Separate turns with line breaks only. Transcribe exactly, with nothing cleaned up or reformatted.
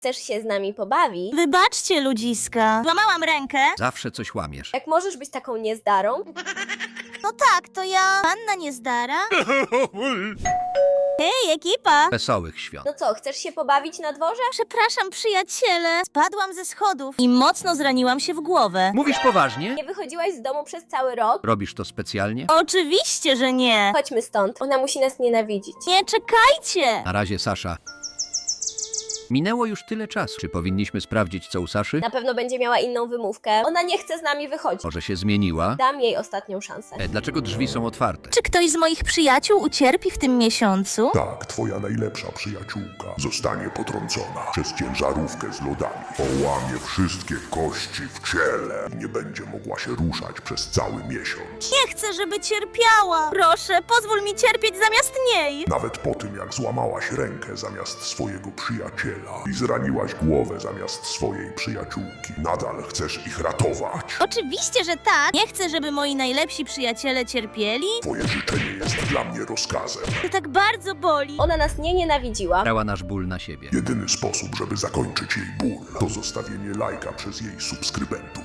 Chcesz się z nami pobawić?
Wybaczcie, ludziska. Złamałam rękę.
Zawsze coś łamiesz.
Jak możesz być taką niezdarą?
No tak, to ja. Panna Niezdara? Hej, ekipa!
Wesołych świąt.
No co, chcesz się pobawić na dworze?
Przepraszam, przyjaciele. Spadłam ze schodów i mocno zraniłam się w głowę.
Mówisz poważnie?
Nie wychodziłaś z domu przez cały rok?
Robisz to specjalnie?
Oczywiście, że nie.
Chodźmy stąd. Ona musi nas nienawidzić.
Nie, czekajcie.
Na razie, Sasza. Minęło już tyle czasu. Czy powinniśmy sprawdzić, co u Saszy?
Na pewno będzie miała inną wymówkę. Ona nie chce z nami wychodzić.
Może się zmieniła?
Dam jej ostatnią szansę.
E, dlaczego drzwi są otwarte?
Czy ktoś z moich przyjaciół ucierpi w tym miesiącu?
Tak, twoja najlepsza przyjaciółka zostanie potrącona przez ciężarówkę z lodami. Połamie wszystkie kości w ciele i nie będzie mogła się ruszać przez cały miesiąc.
Nie chcę, żeby cierpiała. Proszę, pozwól mi cierpieć zamiast niej.
Nawet po tym, jak złamałaś rękę zamiast swojego przyjaciela i zraniłaś głowę zamiast swojej przyjaciółki, nadal chcesz ich ratować.
Oczywiście, że tak. Nie chcę, żeby moi najlepsi przyjaciele cierpieli.
Twoje życzenie jest dla mnie rozkazem.
To tak bardzo boli.
Ona nas nie nienawidziła.
Brała nasz ból na siebie.
Jedyny sposób, żeby zakończyć jej ból, to zostawienie lajka przez jej subskrybentów.